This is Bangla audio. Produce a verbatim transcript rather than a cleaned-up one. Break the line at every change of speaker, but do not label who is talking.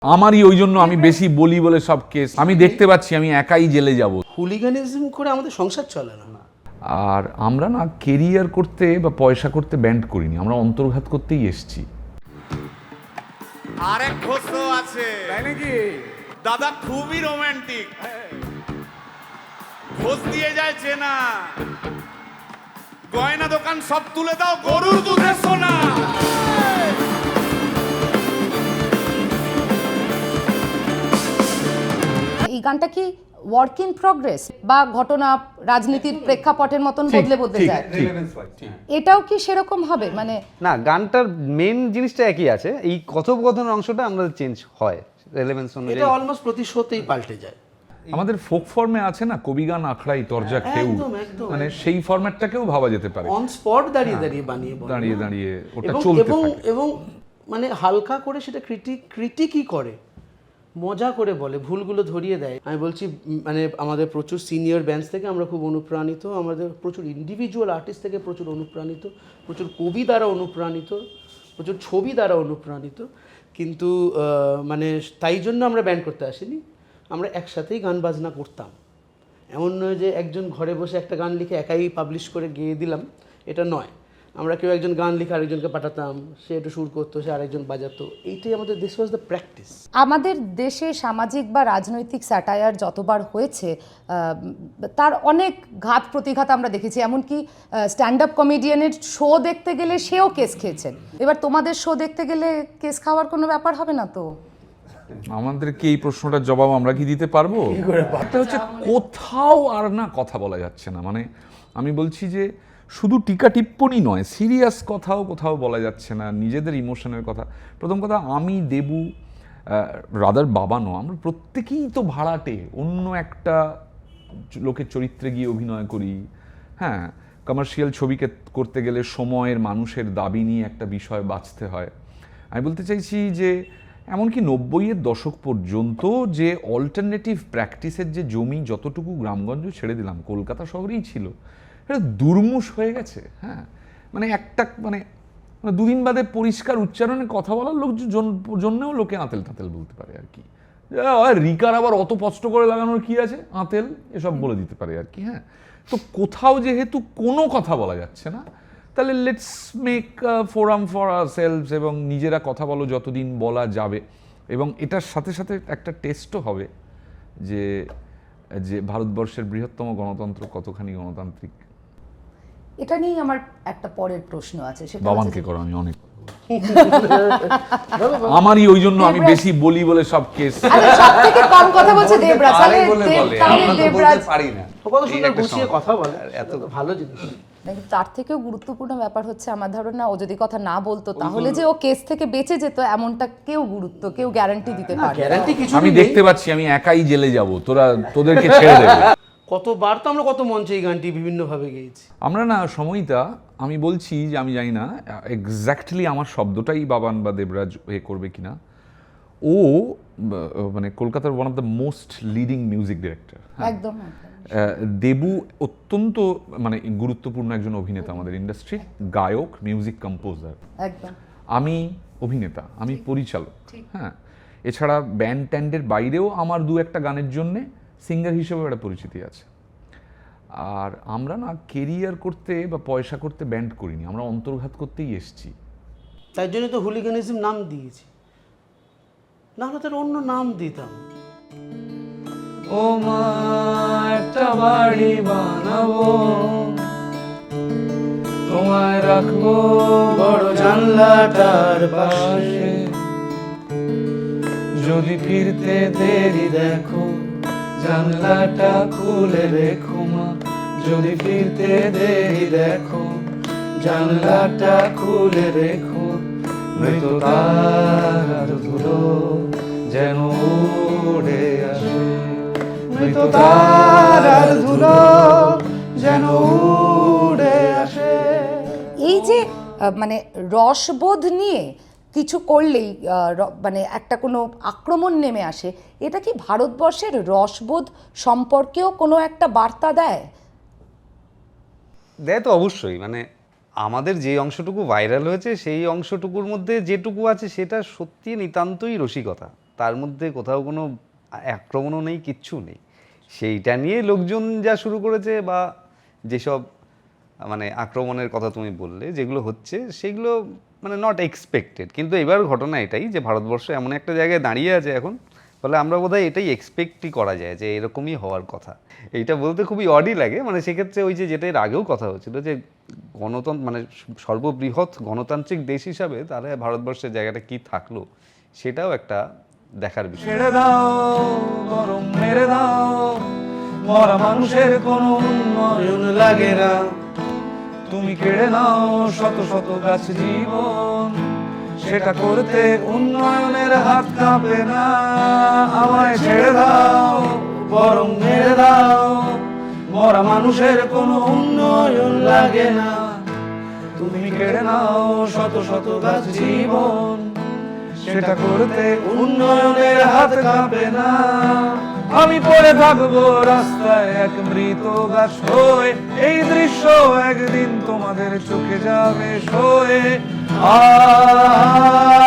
আমারই ওই জন্য আমি বেশি বলি বলে সব কেস আমি দেখতে পাচ্ছি আমি একাই জেলে যাব।
হুলিগানিজম করে আমাদের সংসার চলে না।
আর আমরা না কেরিয়ার করতে বা পয়সা করতে ব্যান্ড করিনি, আমরা অন্তর্ঘাত করতেই এসেছি।
আরেক ঘোষ আছে তাই নাকি? দাদা খুবই রোমান্টিক, ঘোষ দিয়ে যায় চেনা, গয়না দোকান সব তুলে দাও, গরুর দুধের সোনা।
এই গানটা কি ওয়ার্ক ইন প্রগ্রেস বা ঘটনা রাজনীতির প্রেক্ষাপটের মতন বদলে বদলে যায়? এটাও কি সেরকম হবে? মানে
না, গানটার মেন জিনিসটা একই আছে, এই কথোপকথনের অংশটা আমরা চেঞ্জ হয় রেলেভেন্স অনুযায়ী।
এটা অলমোস্ট প্রতি শোতেই পাল্টে যায়।
আমাদের ফোক ফর্মে আছে না, কবিগান আখড়াই তরজা খেউ,
একদম, একদম।
মানে সেই ফরম্যাটটাকেও ভাবা যেতে পারে।
অন স্পট দাঁড়িয়ে দাঁড়িয়ে বানিয়ে বলে।
দাঁড়িয়ে দাঁড়িয়ে ওটা
এবং
চলতে
এবং
থাকে।
এবং মানে হালকা করে সেটা ক্রিটিক ক্রিটিকই করে, মজা করে বলে, ভুলগুলো ধরিয়ে দেয়। আমি বলছি মানে আমাদের প্রচুর সিনিয়র ব্যান্ডস থেকে আমরা খুব অনুপ্রাণিত, আমাদের প্রচুর ইন্ডিভিজুয়াল আর্টিস্ট থেকে প্রচুর অনুপ্রাণিত, প্রচুর কবি দ্বারা অনুপ্রাণিত, প্রচুর ছবি দ্বারা অনুপ্রাণিত। কিন্তু মানে তাই জন্য আমরা ব্যান্ড করতে আসিনি, আমরা একসাথেই গান বাজনা করতাম। এমন নয় যে একজন ঘরে বসে একটা গান লিখে একাই পাবলিশ করে গেয়ে দিলাম, এটা নয়। আমরা কেউ একজন গান লিখে আরেকজনকে পাঠাতাম, সে একটু সুর করতো, সে আরেকজন বাজাতো। এইটাই আমাদের দিস ওয়াজ দ্য প্র্যাকটিস।
আমাদের দেশে সামাজিক বা রাজনৈতিক স্যাটায়ার যতবার হয়েছে তার অনেক ঘাত প্রতিঘাত আমরা দেখেছি। এমনকি স্ট্যান্ড আপ কমেডিয়ানের শো দেখতে গেলে সেও কেস খেয়েছেন। এবার তোমাদের শো দেখতে গেলে কেস খাওয়ার কোনো ব্যাপার হবে না তো?
আমাদেরকে এই প্রশ্নটার জবাব আমরা কি দিতে পারবো? এটা হচ্ছে কোথাও আর না কথা বলা যাচ্ছে না। মানে আমি বলছি যে শুধু টিকা টিপ্পনি নয়, সিরিয়াস কথাও কোথাও বলা যাচ্ছে না, নিজেদের ইমোশনের কথা। প্রথম কথা, আমি দেবু রাদার বাবা নয়, আমরা প্রত্যেকেই তো ভাড়াটে, অন্য একটা লোকের চরিত্রে গিয়ে অভিনয় করি। হ্যাঁ, কমার্শিয়াল ছবিকে করতে গেলে সময়ের মানুষের দাবি নিয়ে একটা বিষয় বাঁচতে হয়। আমি বলতে চাইছি যে এমনকি নব্বইয়ের দশক পর্যন্ত যে অল্টারনেটিভ প্র্যাকটিসের যে জমি যতটুকু গ্রামগঞ্জ ছেড়ে দিলাম, কলকাতা শহরেই ছিল, এটা দুর্মুষ হয়ে গেছে। হ্যাঁ, মানে একটা মানে মানে দুদিন বাদে পরিষ্কার উচ্চারণে কথা বলার লোক জন্যও লোকে আঁতেল তাঁতেল বলতে পারে আর কি। রিকার আবার অত কষ্ট করে লাগানোর কি আছে, আঁতেল এসব বলে দিতে পারে আর কি। হ্যাঁ, তো কোথাও যেহেতু কোনো কথা বলা যাচ্ছে না, তাহলে let's make forum for ourselves এবং নিজেরা কথা বলো যতদিন বলা যাবে। এবং এটার সাথে সাথে একটা টেস্টও হবে যে যে ভারতবর্ষের বৃহত্তম গণতন্ত্র কতখানি গণতান্ত্রিক।
এটা নিয়েই আমার একটা পরের প্রশ্ন আছে, সেটা
বাবানকে করো, আমি অনেক আমারই ওই জন্য আমি বেশি বলি বলে সব কেস।
সবথেকে কম কথা বলছে দেবরাজ। তাহলে দেবরাজ
পারি না,
কত সুন্দর গুছিয়ে কথা বলে, এত ভালো জিনিস।
তার থেকেও গুরুত্বপূর্ণ ব্যাপার হচ্ছে আমার ধারণা ও যদি কথা না বলতো তাহলে যে ও কেস থেকে বেঁচে যেত এমনটা কেউ গুরুত্ব কেউ গ্যারান্টি দিতে পারে।
গ্যারান্টি কিছু
আমি দেখতে পাচ্ছি আমি একাই জেলে যাব, তোরা তোদেরকে ছেড়ে দেবে।
কতবার তো আমরা কত মঞ্চে এই গানটি বিভিন্নভাবে গেয়েছি
আমরা না সময়টা আমি বলছি যে আমি জানি না এক্স্যাক্টলি আমার শব্দটাই বাবান বা দেবরাজ এ করবে কিনা। ও মানে কলকাতার one of the most leading music director.
একদম।
দেবু অত্যন্ত মানে গুরুত্বপূর্ণ একজন অভিনেতা আমাদের ইন্ডাস্ট্রির, গায়ক, মিউজিক কম্পোজার।
একদম।
আমি অভিনেতা, আমি পরিচালক। হ্যাঁ, এছাড়া ব্যান্ড ট্যান্ডের বাইরেও আমার দু একটা গানের জন্যে সিঙ্গার হিসেবে একটা পরিচিতি আছে। আর আমরা না কেরিয়ার করতে বা পয়সা করতে ব্যান্ড করিনি, আমরা অন্তর্ঘাত করতেই এসেছি।
তাই জন্য তো হুলিগানিজম নাম দিয়েছি, না হলে তার অন্য নাম দিতাম।
ও মা একটা বাড়ি বানাবো, তোমায় রাখবো
বড় জানলাটার পাশে,
যদি ফিরতে দেরি দেখো জানলাটা খুলে রেখো মা, যদি ফিরতে দেরি দেখো জানলাটা খুলে রেখো, নয়তো তার ধুলো যেন উড়ে আসে, নয়তো তার ধুলো যেন উড়ে আসে।
এই যে মানে রসবোধ নিয়ে কিছু করলেই মানে একটা কোনো আক্রমণ নেমে আসে, এটা কি ভারতবর্ষের রসবোধ সম্পর্কেও কোনো একটা বার্তা দেয়?
দেয় তো অবশ্যই। মানে আমাদের যে অংশটুকু ভাইরাল হয়েছে সেই অংশটুকুর মধ্যে যেটুকু আছে সেটা সত্যি নিতান্তই রসিকতা। তার মধ্যে কোথাও কোনো আক্রমণও নেই, কিচ্ছু নেই। সেইটা নিয়ে লোকজন যা শুরু করেছে বা যেসব মানে আক্রমণের কথা তুমি বললে যেগুলো হচ্ছে সেগুলো মানে নট এক্সপেক্টেড। কিন্তু এবার ঘটনা এটাই যে ভারতবর্ষ এমন একটা জায়গায় দাঁড়িয়ে আছে এখন, ফলে আমরা বোধহয় এটাই এক্সপেক্টই করা যায় যে এরকমই হওয়ার কথা। এইটা বলতে খুবই অডই লাগে, মানে সেক্ষেত্রে ওই যে যেটা এর আগেও কথা হচ্ছিল যে গণতন্ত্র মানে সর্ববৃহৎ গণতান্ত্রিক দেশ হিসাবে তাহলে ভারতবর্ষের জায়গাটা কি থাকলো সেটাও একটা দেখার বিষয়।
ছেড়ে দাও গরম মেরে দাও, মরা মানুষের কোনো উন্নয়ন লাগে না, তুমি কেড়ে নাও শত শত গাছ জীবন, সেটা করতে উন্নয়নের হাত কাঁপে না। আমায় ছেড়ে দাও বরং মেরে দাও, মরা মানুষের কোনো উন্নয়ন লাগে না, তুমি কেড়ে নাও শত শত গাছ জীবন, সেটা করতে উন্নয়নের হাত কাঁপে না। আমি পড়ে থাকবো রাস্তায় এক মৃত গাছ হয়ে, এই দৃশ্য একদিন তোমাদের চোখে যাবে সয়ে। আ